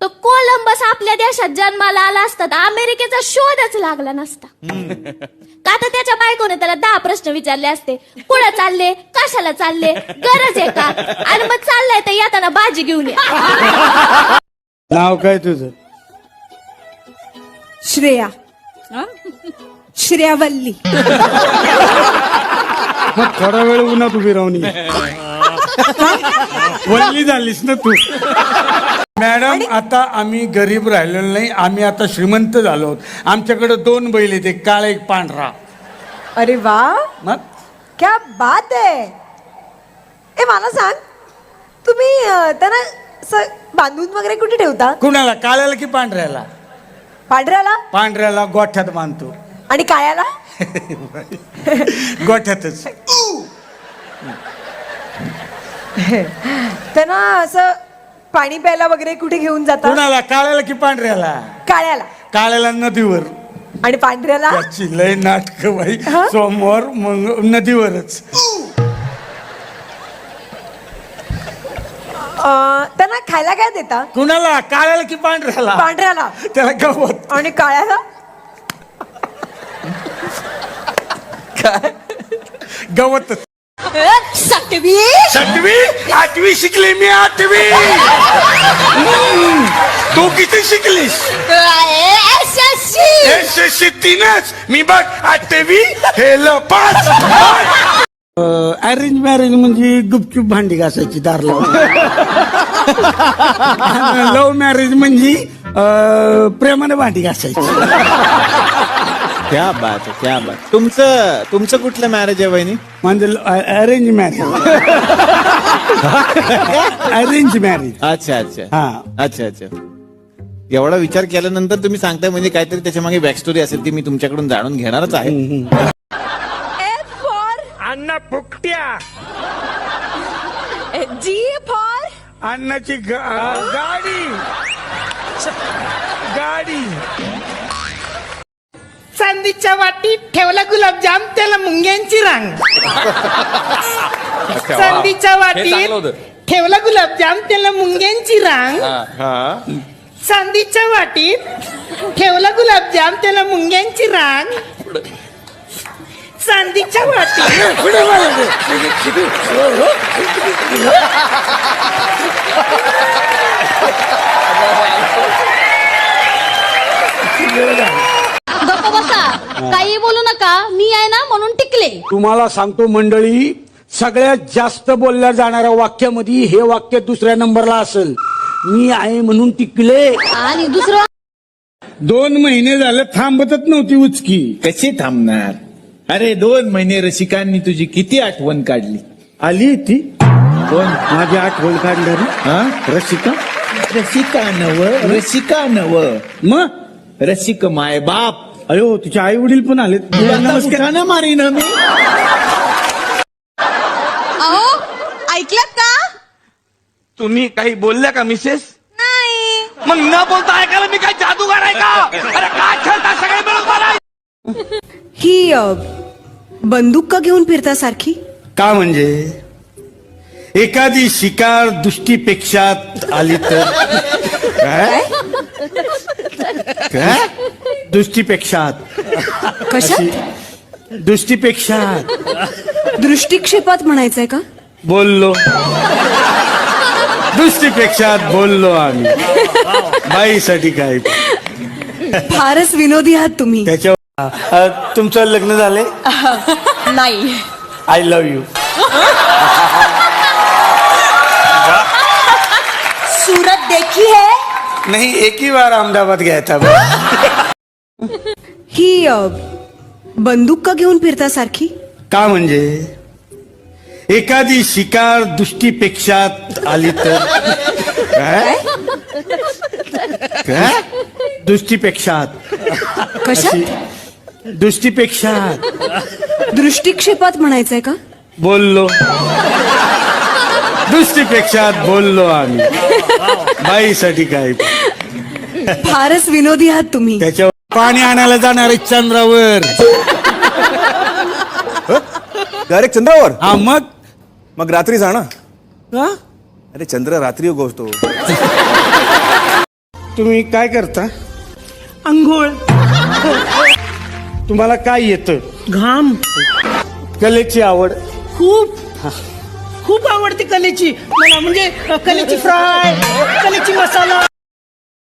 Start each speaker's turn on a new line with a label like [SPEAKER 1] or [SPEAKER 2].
[SPEAKER 1] तर कोलंबस आपल्या देशात जन्माला आला असता तर अमेरिकेचा शोधच लागला नसता. का तर त्याच्या बायकोने त्याला 10 प्रश्न विचारले असते. कुठं चालले, कशाला चालले, गरज आहे का, आणि मग चाललंय तर येताना भाजी घेऊन या.
[SPEAKER 2] नाव काय तुझं?
[SPEAKER 3] श्रेया. श्रेयावल्ली.
[SPEAKER 2] मग थोडा वेळ उन्हात उभी राहून ये. वल्ली झालीस ना तू. मॅडम, आता आम्ही गरीब राहिलेलो नाही, आम्ही आता श्रीमंत झालो आहोत. आमच्याकडे 2 बैल आहेत, एक काळा एक पांढरा.
[SPEAKER 3] अरे वा,
[SPEAKER 2] मग
[SPEAKER 3] क्या बात आहे. ए मला सांग, तुम्ही त्यांना असं बांधून वगैरे कुठे ठेवता?
[SPEAKER 2] कुणाला, काळ्याला की पांढऱ्याला?
[SPEAKER 3] पांढऱ्याला.
[SPEAKER 2] पांढऱ्याला गोठ्यात बांधतो.
[SPEAKER 3] आणि काळ्याला?
[SPEAKER 2] गोठ्यातच.
[SPEAKER 3] त्यांना असं पाणी प्यायला वगैरे कुठे घेऊन जाता?
[SPEAKER 2] कुणाला, काळ्याला की पांढऱ्याला?
[SPEAKER 3] काळ्याला.
[SPEAKER 2] काळ्याला नदीवर.
[SPEAKER 3] आणि पांढऱ्याला?
[SPEAKER 2] त्याची लय नाटक बाई.
[SPEAKER 3] हा?
[SPEAKER 2] सोमवार मग नदीवरच.
[SPEAKER 3] त्यांना खायला काय देता?
[SPEAKER 2] कुणाला, काळ्याला की पांढऱ्याला?
[SPEAKER 3] पांढऱ्याला.
[SPEAKER 2] त्याला गवत.
[SPEAKER 3] आणि काळ्याला?
[SPEAKER 2] गवत.
[SPEAKER 3] सटवी.
[SPEAKER 2] 7वी 8वी शिकले मी. 8वी. तू किती शिकलीस? SSC 3च. मी बघ 8वी फेल 5. अरेंज मॅरेज म्हणजे गुपचूप भांडी घासायची दार लावून. लव्ह मॅरेज म्हणजे प्रेमाने भांडी घासायची.
[SPEAKER 4] क्या बात आहे, क्या बात. तुमचं कुठलं मॅरेज आहे वहिनी?
[SPEAKER 2] म्हणजे अरेंज मॅरेज. Arrange marriage.
[SPEAKER 4] अच्छा अच्छा.
[SPEAKER 2] हा.
[SPEAKER 4] अच्छा अच्छा. एवढा विचार केल्यानंतर तुम्ही सांगताय म्हणजे काहीतरी त्याच्या मागे बॅक स्टोरी असेल ती मी तुमच्याकडून जाणून घेणारच आहे.
[SPEAKER 2] अण्णा फुकट्या.
[SPEAKER 3] जी फॉर
[SPEAKER 2] अण्णाची गाडी. गाडी.
[SPEAKER 5] चांदीच्या वाटीत ठेवला गुलाबजाम, त्याला मुंग्यांची रांग. चांदीच्या वाटीत ठेवला गुलाबजाम, त्याला मुंग्यांची रांग. चांदीच्या वाटीत ठेवला गुलाबजाम, त्याला मुंग्यांची रांग. चांदीच्या वाटीत.
[SPEAKER 1] गप्प बसा, काही बोलू नका. मी आहे ना म्हणून टिकले.
[SPEAKER 2] तुम्हाला सांगतो मंडळी, सगळ्यात जास्त बोलल्या जाणाऱ्या वाक्यामध्ये हे वाक्य दुसऱ्या नंबरला असेल. मी आहे म्हणून टिकले.
[SPEAKER 1] आणि दुसरं,
[SPEAKER 2] 2 महिने झाले थांबतच नव्हती उचकी.
[SPEAKER 6] कशी थांबणार? अरे 2 महिने रसिकांनी तुझी किती आठवण काढली.
[SPEAKER 2] आली ती
[SPEAKER 6] कोण?
[SPEAKER 2] माझी आठवण काढणारी.
[SPEAKER 6] हा?
[SPEAKER 2] रसिका.
[SPEAKER 6] रसिका नव
[SPEAKER 2] मग
[SPEAKER 6] रसिक माय बाप.
[SPEAKER 2] अयो, तुझे आई वडील पण आलेत.
[SPEAKER 6] नमस्कार मारी ना मी.
[SPEAKER 3] अहो ऐकलात का?
[SPEAKER 7] तुम्ही काही बोलल्या का मिसेस?
[SPEAKER 3] नाही.
[SPEAKER 7] मग न बोलता ऐकायला मी काय जादूगार आहे का? अरे काय खेळता सगळे मिळून मला?
[SPEAKER 3] ही बंदूक का घेऊन फिरता सारखी?
[SPEAKER 2] का म्हणजे एखादी शिकार दृष्टीपेक्षा आली तर? काय काय दृष्टीपेक्षा?
[SPEAKER 3] कशात?
[SPEAKER 2] दृष्टीपेक्षा.
[SPEAKER 3] दृष्टिक्षेपात म्हणायचंय का?
[SPEAKER 2] बोललो. दृष्टीपेक्षा बोललो आम्ही. बाईसाठी काय.
[SPEAKER 3] फारच विनोदी आहात तुम्ही.
[SPEAKER 2] त्याच्या तुमचं लग्न झालंय?
[SPEAKER 3] नाही.
[SPEAKER 2] I love you.
[SPEAKER 3] सूरत देखी है?
[SPEAKER 2] नहीं, एक ही बार अहमदाबाद गया था.
[SPEAKER 3] ही बंदूक का घेऊन फिरता सारखी?
[SPEAKER 2] का म्हणजे एखादी शिकार दृष्टीपेक्षा आली तर? काय काय दृष्टीपेक्षा.
[SPEAKER 3] कशात?
[SPEAKER 2] दृष्टीपेक्षा.
[SPEAKER 3] दृष्टिक्षेपात म्हणायचंय का?
[SPEAKER 2] बोललो. दृष्टीपेक्षा बोललो आम्ही. बाईसाठी काय.
[SPEAKER 3] फारच विनोदी आहात तुम्ही.
[SPEAKER 2] त्याच्यावर पाणी आणायला जाणार आहे चंद्रावर.
[SPEAKER 8] डायरेक्ट चंद्रावर?
[SPEAKER 2] हा,
[SPEAKER 8] मग रात्री जा ना.
[SPEAKER 2] का?
[SPEAKER 8] अरे चंद्र रात्री उगवतो.
[SPEAKER 2] तुम्ही काय करता?
[SPEAKER 5] अंघोळ.
[SPEAKER 2] तुम्हाला काय येतं?
[SPEAKER 5] घाम.
[SPEAKER 2] कलेची आवड?
[SPEAKER 5] खूप खूप आवडते कलेची मला, म्हणजे कलेची फ्राय, कलेची मसाला.